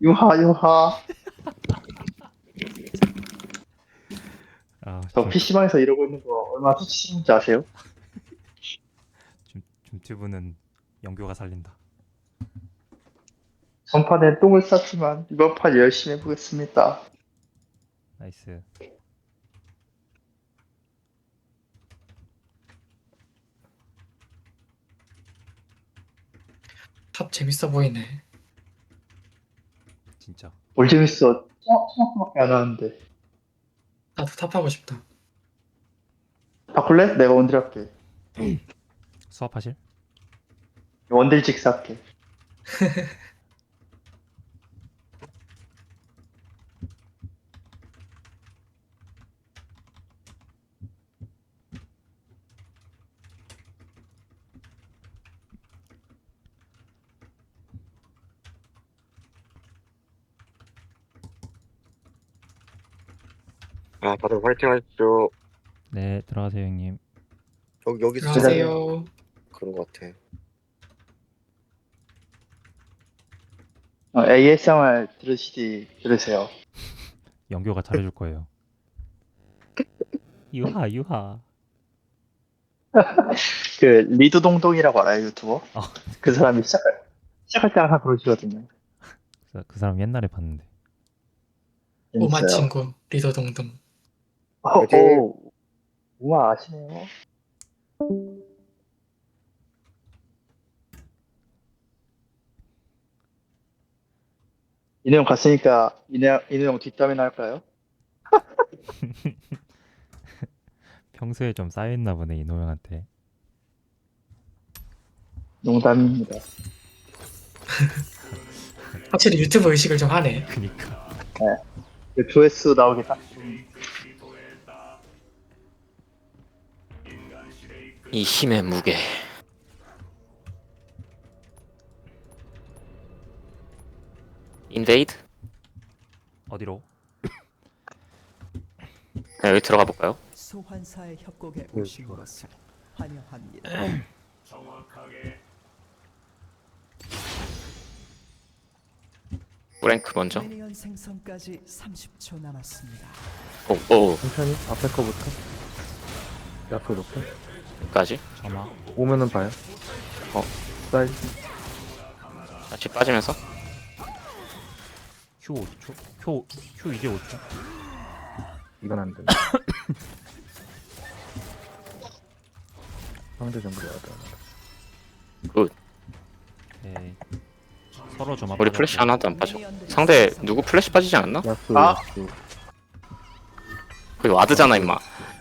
유하 유하. 아, 저 PC방에서 이러고 있는 거 얼마나 수치스러운지 아세요? 줌튜브는 영교가 살린다. 전판에 똥을 쌌지만 이번 판 열심히 해보겠습니다. 나이스. 탑 재밌어 보이네. 진짜. 뭘 재밌어. 토마토밖에 안 하는데. 나도 탑하고 싶다. 바꿀래? 내가 원딜 할게. 수업하실? 원딜 직사할게. 아, 다들 화이팅 하십시오. 네, 들어가세요, 형님. 여기 안녕하세요. 그런 것 같아. ASMR 들으세요. 영교가 잘해줄 거예요. 유하, 유하. 그 리드동동이라고 알아요, 유튜버? 어. 그 사람이 시작할 때 항상 그러시거든요. 그 사람 옛날에 봤는데. 오마 재밌어요. 친구 리더 동동. 화이팅! 우와 아시네요. 인호 형 갔으니까 인호 형 뒷담화 할까요? 평소에 좀 쌓여있나 보네, 이노 형한테. 농담입니다. 확실히 유튜브 의식을 좀 하네. 그니까. 그 조회수 나오게 딱 좀. 이 힘의 무게. 인베이드? 어디로? 네, 여기 들어가 볼까요? 소환사의 협곡에 오신 것을 환영합니다. 브랭크 먼저. 미니언 생성까지 30초 남았습니다. 오, 천천히 앞에 거부터 앞에 놓고 여기까지. 점화. 오면은 봐요. 사이 같이 빠지면서. Q 5초? Q 이제 5초? 이건 안 돼. 상대 정글 와야 돼. 굿. 오케이. 서로 점화. 우리 플래시 하나도 안 빠져. 상대 누구 플래시 빠지지 않았나? 야수 아! 야수 거기 와드잖아, 임마.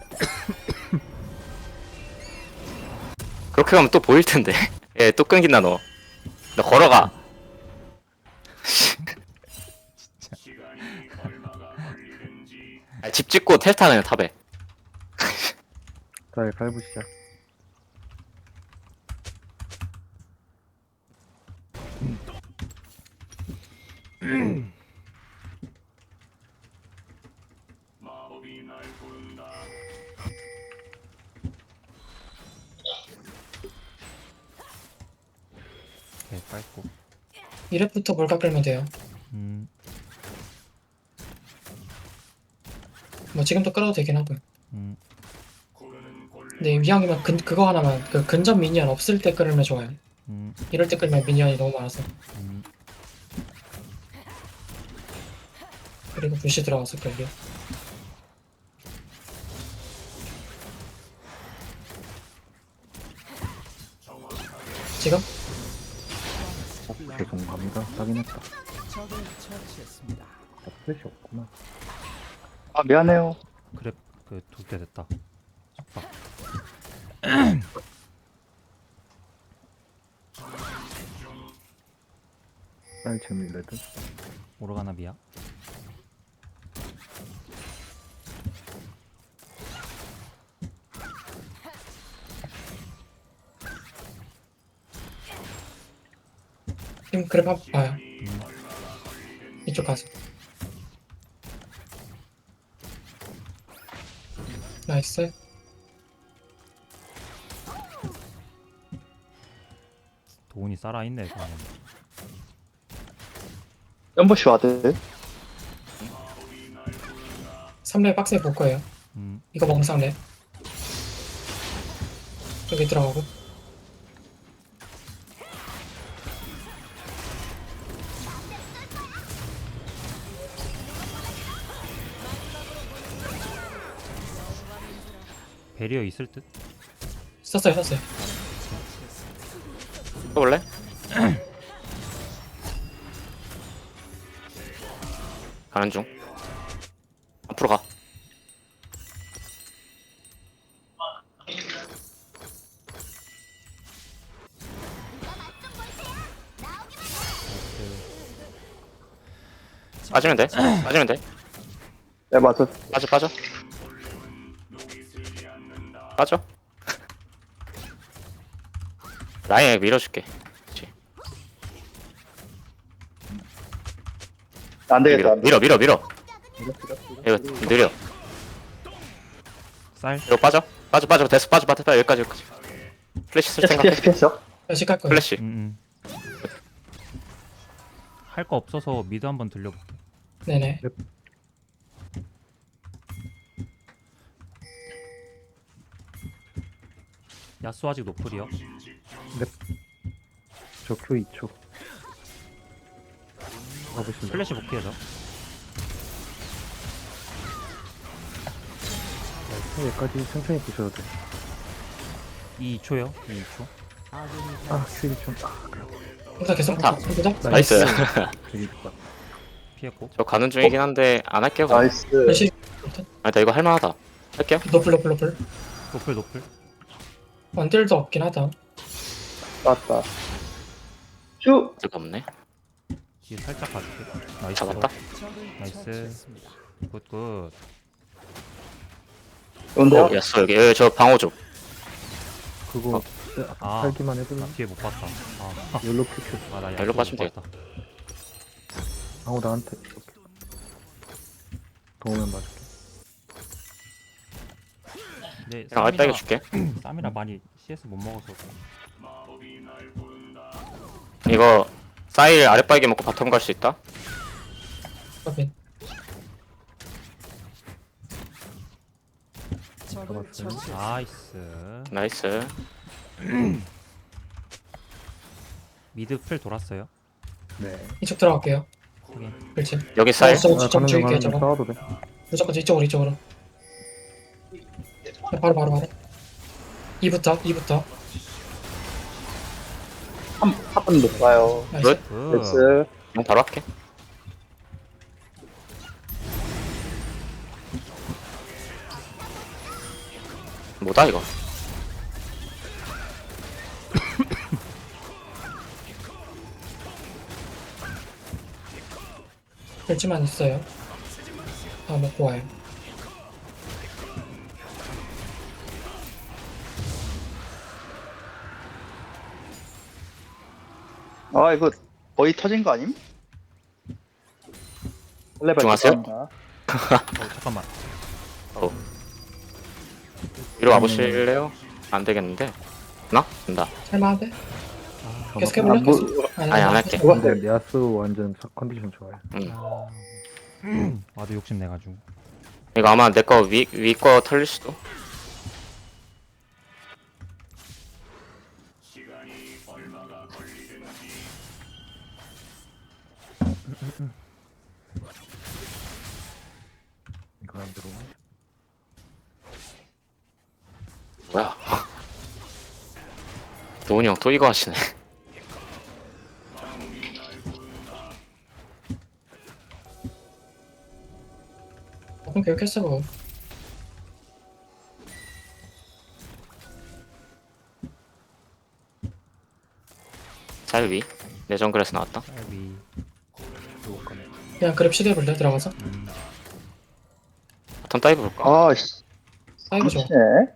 그렇게 가면 또 보일 텐데. 예, 또 끊긴다, 너. 너 걸어가. 아, 집 짓고 텔타는 탑에. 자 갈부 시작. 오케이, 빨고. 1렙부터 몰카 끌면 돼요. 음, 뭐 지금도 끌어도 되긴 하고요. 음. 근데 이왕이면 그거 하나만 그 근접 미니언 없을 때 끌면 좋아요. 이럴 때 끌면 미니언이 너무 많아서. 그리고 부시 들어가서 끌려. 지금? 오케이 공감이다. 확인했다. 적을 처치했습니다. 아, 플래시 없구나. 아 미안해요. 그래, 그 두 개 됐다. 속박. 사이 재미 레드. 오르가나 미야. 지금 그래 봐요. 이쪽 가서. 나이스. 도훈이 살아있네, 그냥. 연보시 와드. 3렙 빡세 볼 거예요. 이거 먹으면 3렙. 여기 들어가고. 배리어 있을 듯? 썼어요. 써볼래? 가는 중. 앞으로 가. 빠지면 돼. 빠지면 돼. 네, 맞아. 빠져. 빠져. 라인에 밀어줄게. 그렇지. 안 되겠다. 안 되겠다. 밀어. 이거 느려. 쌀? 이거 빠져. 됐어. 빠져. 여기까지. 플래시 쓸 생각해. 피했어. 다시 깔 거예요. 플래시. 할 거 없어서 미드 한번 들려볼게. 네네. 야수 아직 노플이요. 저 Q 2초. 가보시면 플래시 복귀해서. 여기까지 천천히 보셔도 돼. 2초요. 2초. 아, Q 2초. 혼자 계속. 다. 혼자. 나이스. 되게 좋다. 피했고. 저 가는 중이긴 한데 안 할게요. 그럼. 나이스. 다시 나 이거 할만하다. 할게요. 노플. 노플. 원딜도 없긴 하다. 맞다. 슈. 뜨가 없네. 뒤에 살짝 가줄게. 나이스. 잡았다. 나이스. 굿. 온다. 였어 여기 저 방어 좀. 그거 아. 살기만 해도 뒤에 못 봤다. 욜로 큐큐. 나 일로 빠지면 되겠다. 아우 나한테 이렇게. 도우면 맞을게. 근데 그냥 알바게 줄게. 쌈이라 많이 CS 못 먹어서. 이거 사일 아랫바이게 먹고 바텀 갈 수 있다. 확인. 적을 잡았어요. 처치했습니다. 나이스. 나이스. 미드 풀 돌았어요. 네. 이쪽 들어갈게요. 확인. 그렇지. 여기 사일. 저거 가는 좀 중 줄게요. 가는 중 저거. 싸워도 돼. 무조건 이쪽으로. 바로. 2부터. 한번 못 봐요. 나이스. 굿. 굿. 나이스. 그냥 바로 할게. 뭐다 이거? 벨지만 있어요. 다 먹고 와요. 아, 이거 거의 터진 거 아님? 레벨 집중하세요. 감사합니다. 잠깐만. 위로 와보실래요? 안 되겠는데. 나? 된다. 할만한데? 계속 아, 해볼래? 뭐, 계속? 아니, 안 할게. 근데 야수 완전 컨디션 좋아요. 나도 욕심 내가지고. 이거 아마 내 거 위 거 털릴 수도. 이거 안 들어오네. 뭐야? 도훈이 형 또 이거 하시네. 그럼 교육했어 그거. 살 위. 내 정글에서 나왔다. 쌀비. 그냥 그랩 시도해볼래? 들어가서? 바텀 다이브 볼까? 아, 씨. 사이버 좋아. 네.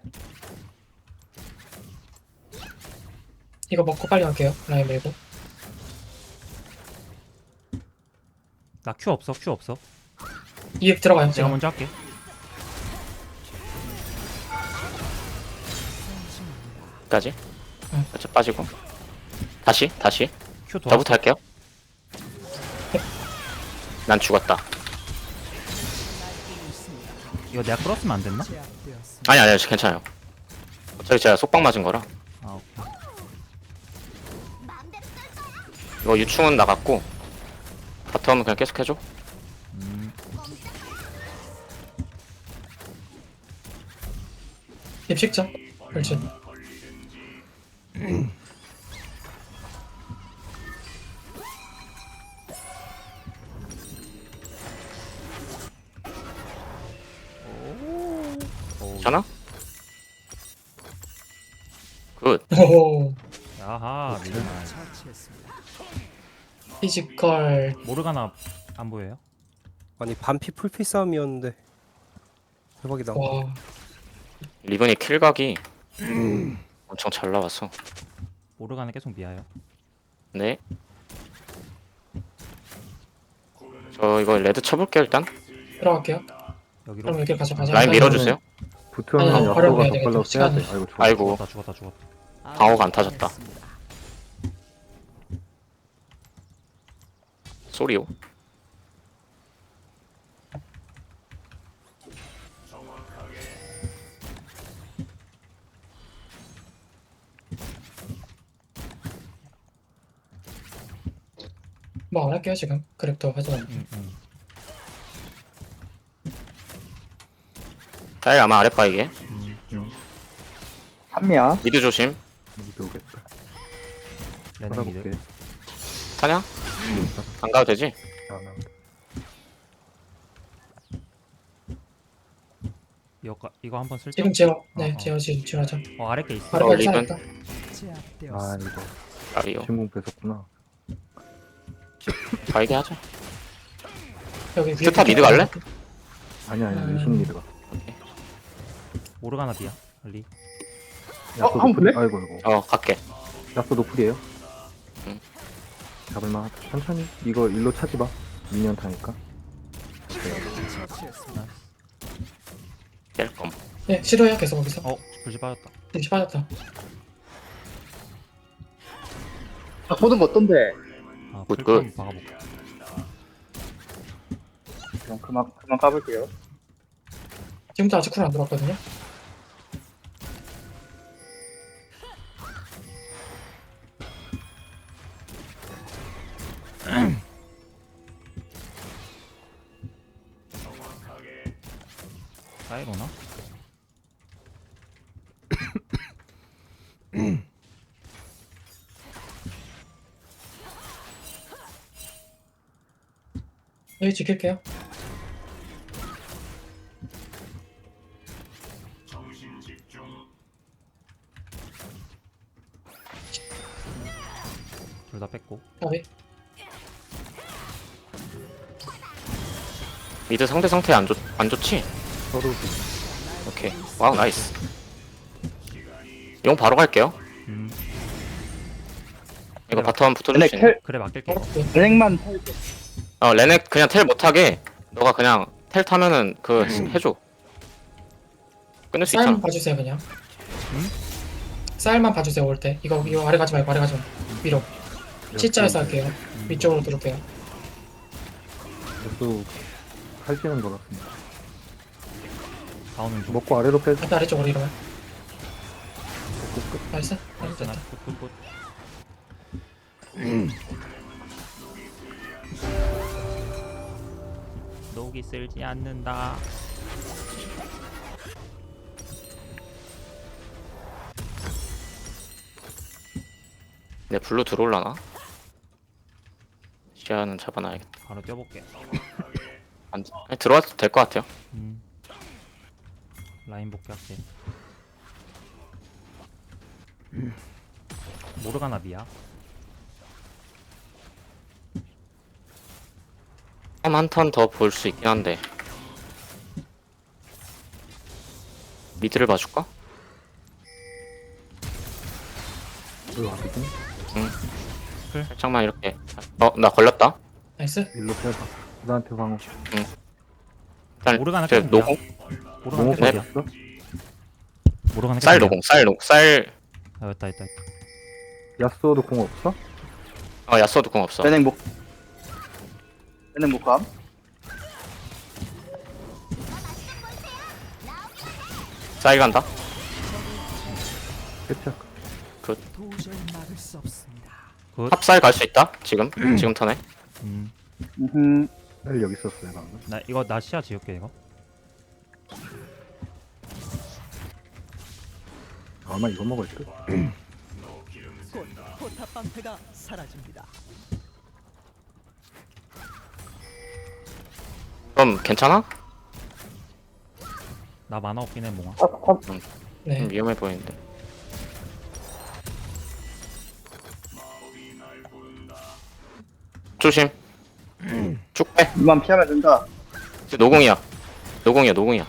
이거 먹고 빨리 갈게요. 라인 밀고. 나 큐 없어. 2획 들어가요. 내가 제가. 먼저 할게. 여기까지. 응. 살짝 빠지고. 다시. 큐 돌았어. 저부터 할게요. 난 죽었다. 이거 내가 끌었으면 안 됐나? 제압되었습니다. 아니 괜찮아요. 어차피 제가 속박 맞은 거라. 아 오케이. 이거 유충은 나갔고 바텀은 그냥 계속 해줘. 입식자. 그렇지. 괜찮아? 굿. 오. 야하 미드 나이스. 처치했습니다. 피지컬. 모르가나 안 보여요? 아니 반피 풀피 싸움이었는데 대박이다. 와. 리븐이 킬각이 엄청 잘 나와서. 모르가나 계속 미아요. 네. 저 이거 레드 쳐볼게요 일단. 들어갈게요. 여기로. 그럼 여기 가자. 라인 밀어주세요. 붙으면 아니, 야소가 바로 더 해야 빨라 되겠다. 빼야 돼. 시간이. 아이고 좋아. 아이고 죽었다. 방어가 안 타졌다. 쏘리오. 뭐 안 할게요 지금. 그랩도 하지만. 짤 아마 아랫바이게. 한미야. 미드 조심. 미드 오겠다. 레넥 미드. 받아볼게. 타냐? 안 가도 되지? 아, 이거 한번 쓸죠? 지금 제어. 네, 어. 제어 지금 지어하자. 아래 게 있어. 바로 리본. 살았다. 제압되었습니다. 아 이거 아리오. 신공 뺏었구나. 바이게 하자. 여기 위에 스타 미드 갈래? 아니야 유신 미드가. 모르가나 비야. 리. 야소 한번 볼래? 아이고 이거. 갈게. 야소 노플이에요. 응. 잡을만. 천천히. 이거 일로 차지 마. 미니언 타니까. 처치했습니다. 깰 검. 네, 시도해요 계속 거기서. 불씨 빠졌다. 잠시 빠졌다. 아, 보는 거 어떤데? 아 굿, 풀컴 박아볼게. 그럼 그만 까볼게요. 지금도 아직 쿨 안 들어왔거든요. 사이로나? 여기 지킬게요. 둘 다 뺐고. 여기. 미드 상대 상태 안 좋지? 서로 오케이. 와우 나이스. 용 바로 갈게요. 이거 바텀 붙어줄 수 있는. 그래 맡길게. 이거. 은행만 레넥 그냥 텔 못하게 너가 그냥 텔 타면은 해줘. 끊을 수 쌀만 있잖아. 봐주세요 그냥. 쌀만 봐주세요 올 때. 이거 아래 가지 말고 아래 가지 말고 위로. C자에서 할게요. 위쪽으로 들을게요. 야소 칼지는 것 같습니다. 다오는 중. 먹고 아래로 빼. 일단 아래쪽으로 이러면. 나이스. 나이스 있잖아. 됐다. 굿. 녹이 쓸지 않는다. 내 블루 들어올라나? 시야는 잡아놔야겠다. 바로 뛰어볼게. 들어와도 될 것 같아요. 라인 복귀할게. 모르가나 비야. 한 턴 더 볼 수 있긴 한데 미드를 봐줄까? 이거 어디지? 살짝만 이렇게. 나 걸렸다. 나이스. 일로 빼봐. 나한테 방어. 일단 모르가나 제 계속 노공. 모르가나 너무 계속 네. 비야. 빠졌어? 모르가나 쌀 계속 비야. 노공. 쌀. 아 있다. 야소도 공 없어? 야쏘도 공 없어. 은행 목 얘네 못 감. 쌀 간다. 끝이야. 도저히 막을 수 없습니다. 탑쌀 갈 수 있다. 지금 지금 턴에. 음흠. 쌀 여기 있었어요 방금. 나 이거 나 시야 지울게 이거. 아마 이거 먹을 듯. 곧 포탑 방패가 사라집니다. 그럼 괜찮아? 나 만화 없긴 해 몽아. 네. 위험해 보이는데. 조심. 쭉 빼. 이만 피하면 된다. 노공이야. 노공이야.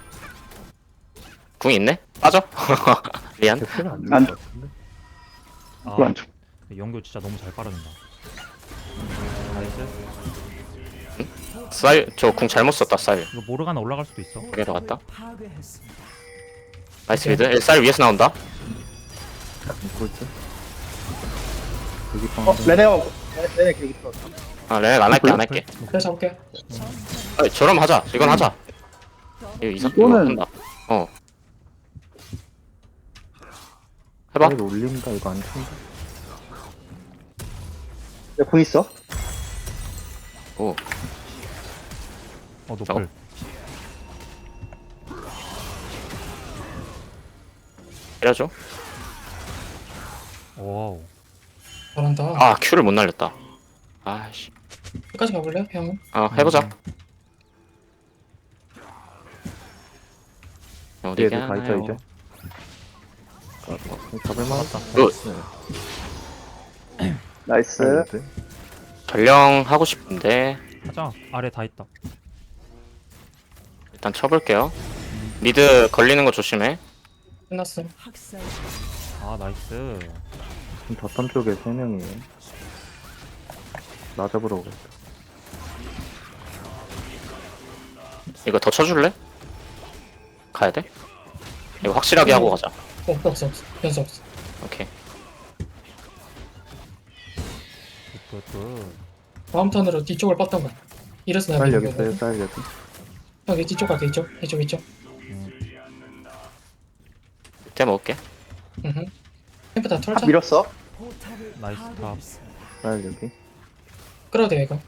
궁이 있네? 빠져? 미안. 캡슐은 안 안- 죽을 것 같은데. 아, 그거 안 죽. 연교 진짜 너무 잘 빠른다. 나이스. 쌀, 저 궁 잘못 썼다, 쌀. 이거 모르가나 올라갈 수도 있어. 여기 들어갔다. 파괴했습니다. 나이스 미드. 쌀 위에서 나온다. 죽을 듯. 여기 레네 계속 있어. 아, 레넥 안 할게. 그래서 잡을게요. 아, 저럼 하자. 이건 하자. 이거 이거는- 한다. 해봐. 쌀 올린다 이거 안 친다. 야공 있어? 오. 어 저거? 노플. 때려줘. 와우. 잘한다. 아, Q를 못 날렸다. 아씨. 끝까지 가볼래요, 형은? 해보자. 어디 얘들 다 있죠 가나요? 이제. 잡을 만하다. 굿. 나이스. 전령 하고 싶은데 하자. 아래 다 있다. 일단 쳐볼게요. 미드 걸리는 거 조심해. 끝났음. 학살 아 나이스. 지금 덧선 쪽에 3명이에요. 나 잡으러 오겠다. 이거 더 쳐줄래? 가야 돼? 이거 확실하게 하고 가자. 없어. 변수 없어. 오케이. 굿굿굿. 다음 턴으로 뒤쪽을 뻗던 거야. 이래서 내가 쌀 여기 믿는 있어요. 거거든. 쌀 여기. 여기 뒤쪽 갈게, 이쪽. 밑에 먹을게. 캠프 다 털자. 밀었어. 포탑을 나이스 탑. 파괴했습니다. 쌀 여기. 끌어도 돼, 이거.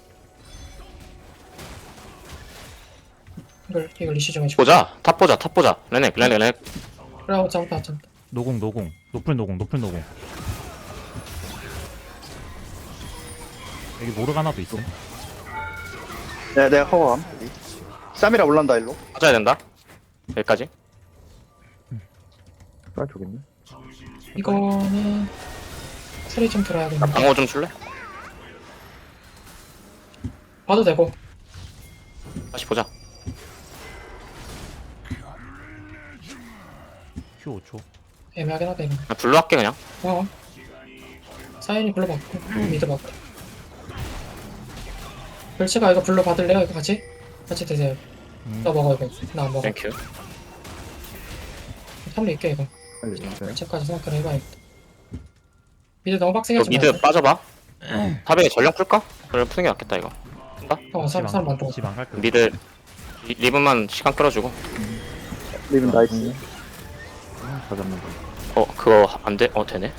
이걸 리시 좀 해줘. 보자. 탑 보자. 레넥. 그래, 잡았다. 노공 노플 노공. 여기 모르가나도 있어. 내가 커버함. 쌈이라 올란다 일로. 맞아야 된다. 여기까지. 쌀 쪽있네. 이거는 소리 좀 들어야겠네. 방어 좀 줄래? 봐도 되고. 다시 보자. Q 5초. 애매하긴 하다, 이거. 그냥 블루 할게 그냥. 사인이 불러받고, 미드 받고. 별치가 이거 불러 받을래요? 이거 같이 드세요. 나 먹어, 이거. 나 안 먹어. 땡큐. 탐리 있게, 이거. 쌀 여기 있어요. 별치까지 생각을 해봐야겠다. 미드 너무 빡세게 너 하지 미드 말고. 빠져봐. 탑에 전령 풀까? 전령 푸는 게 낫겠다 이거. 사람 많다. 집안 갈게. 미드 리븐만 시간 끌어주고. 리븐 나이스. 다 잡는다. 그거 안 돼? 되네.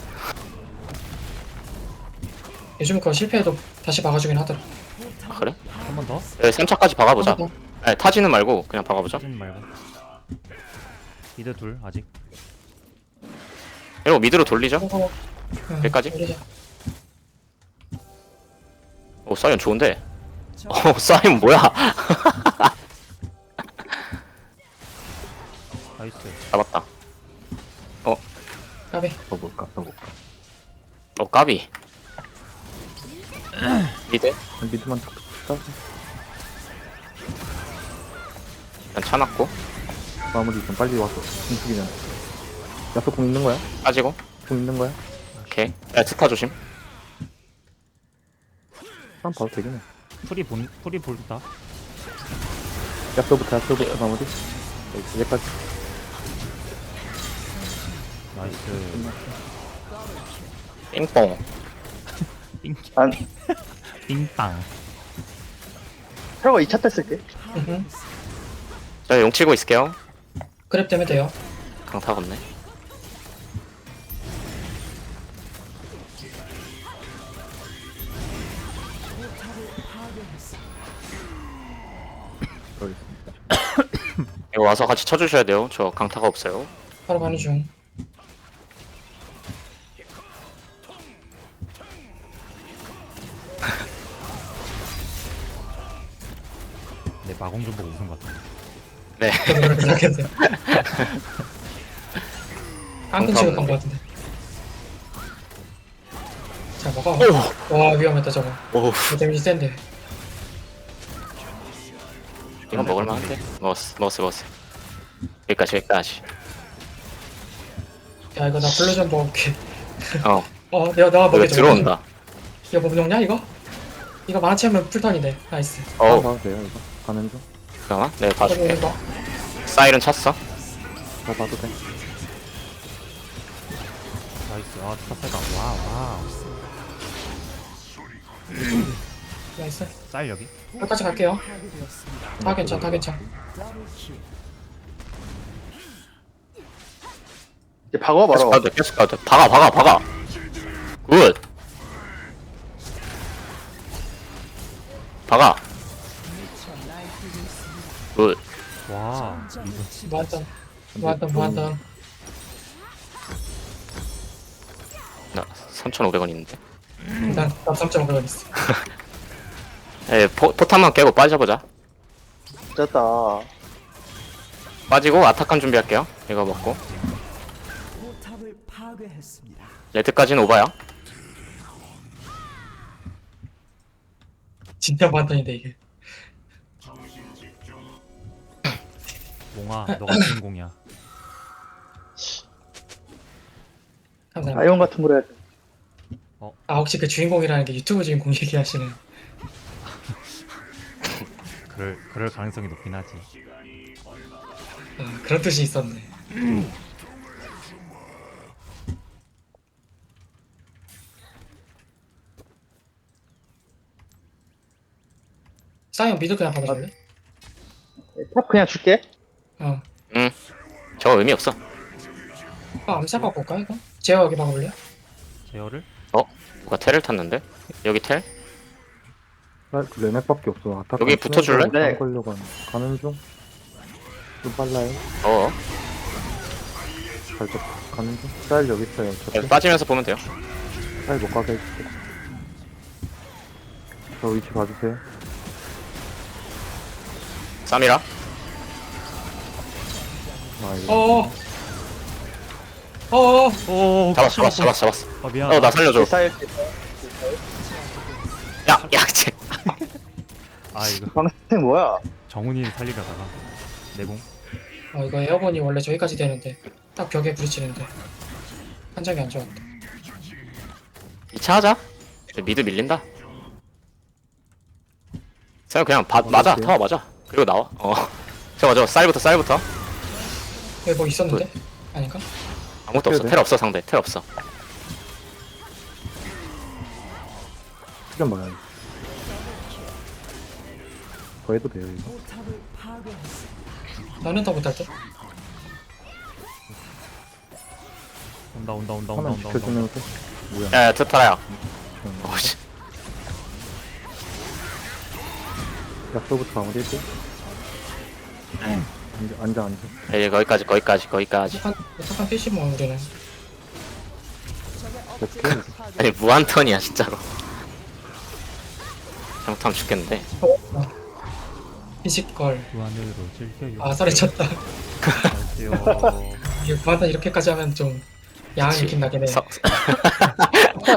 요즘 그거 실패해도 다시 막아주긴 하더라. 아, 그래? 한 번 더? 3차까지 박아보자. 한 번 아니, 타지는 말고 그냥 박아보자. 하진 말고. 미드 둘 아직. 이러고 미드로 돌리자. 더. 여기까지? 올리자. 오, 사이언 좋은데. 사이언 뭐야? 나이스. 잡았다. 까비. 써볼까. 까비. 미드 미드만 딱 쌀. 일단 차놨고 마무리 좀 빨리 와서 움직이면. 야수 공 있는 거야? 빠지고. 공 있는 거야? 오케이. 야, 스타 조심. 한 봐도 되긴 해. 풀이 볼다. 야수부터 마무리. 여기까지. 나이스. 띵뽕. 띵. 안 띵땅. 텔러가 2차 때 쓸게. 저 용 치고 있을게요. 그랩 되면 돼요. 강타가 없네. 여기 이거 와서 같이 쳐주셔야 돼요. 저 강타가 없어요. 바로 가는 중. 내 마공 좀 보고 웃은 것 같아. 네. 저도 그렇게 생각했어요. 깡큰 취급한 것 같은데. 자, 먹어. 와, 위험했다, 저거. 오, 데미지 센데. 이건 먹을만한데? 먹었어. 여기까지. 야, 이거 나 블루 좀 먹을게. 여기 내가 먹여줘. 들어온다. 이거 뭐 먹냐, 이거? 이거 만화체하면 풀턴이네. 나이스. 봐도 돼요 이거? 가는 중? 잠깐만, 내가 봐줄게. 이거 사이렌 찼어. 다 봐도 돼. 나이스. 아, 타세가. 와우. 나이스. 쌀 여기. 여기까지 갈게요. 다 괜찮. 이제 박아 계속 말아. 가도 돼. 박아. 굿. 박아. 굿. 와. 이거 무한턴. 나 3,500원 있는데. 난 3.5원 있어. 에, 포탄만 깨고 빠져보자. 됐다. 빠지고 아타칸 준비할게요. 이거 먹고. 포탑을 파괴했습니다. 레드까지는 오바야. 진짜 무한턴인데, 이게. 몽아, 너가 주인공이야. 감사합니다. 아이온 같은 걸 해야 돼. 혹시 그 주인공이라는 게 유튜브 주인공 얘기하시는. 그럴 가능성이 높긴 하지. 그런 뜻이 있었네. 사이언 미드 그냥 받아줄래? 탑 그냥 줄게. 저 의미 없어. 암살 갖고 올까 이거? 제어 여기 박아볼래? 제어를? 누가 텔을 탔는데? 여기 텔? 레넥밖에 없어. 아타 여기 붙어줄래? 네. 걸려고 가는 중? 좀 빨라요. 살짝 가는 중? 쌀 여기 있어요. 여기 빠지면서 보면 돼요. 쌀못 가게 해줄게. 저 위치 봐주세요. 쌈이라. 아 이거 오. 잡았어. 아, 미안. 나 살려줘. 사일 야, 쟤. 아, 이거 방생 뭐야? 정훈이를 살리려다가 내공. 이거 에어본이 원래 저기까지 되는데 딱 벽에 부딪히는데 한장이 안 좋았다. 2차 하자. 미드 밀린다. 그냥 맞아. 타워 맞아. 그리고 나와. 저거 쌀부터. 여기 뭐 있었는데? 아닌가? 아무것도 없어. 텔 없어 상대. 텔 없어. 시간 많아요. 더 해도 돼요 이거. 포탑을 파괴했습니다. 나는 더 못할 듯? 온다. 하나 지켜주면서 뭐야? 야, 트타라야. 씨. 약속부터 마무리해줘. 앉아. 예, 거기까지. 착한 PC 뭐 우리는. 됐고. 아니 무한턴이야 진짜로. 잘못하면 죽겠는데. 피지컬. 무한으로 즐겨요. 아사리 쳤다. 갈게요. 이게 무한탄 이렇게까지 하면 좀 야한 느낌 나긴 해.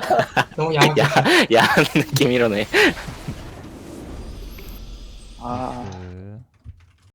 너무 야한 느낌. 야한 느낌 이러네.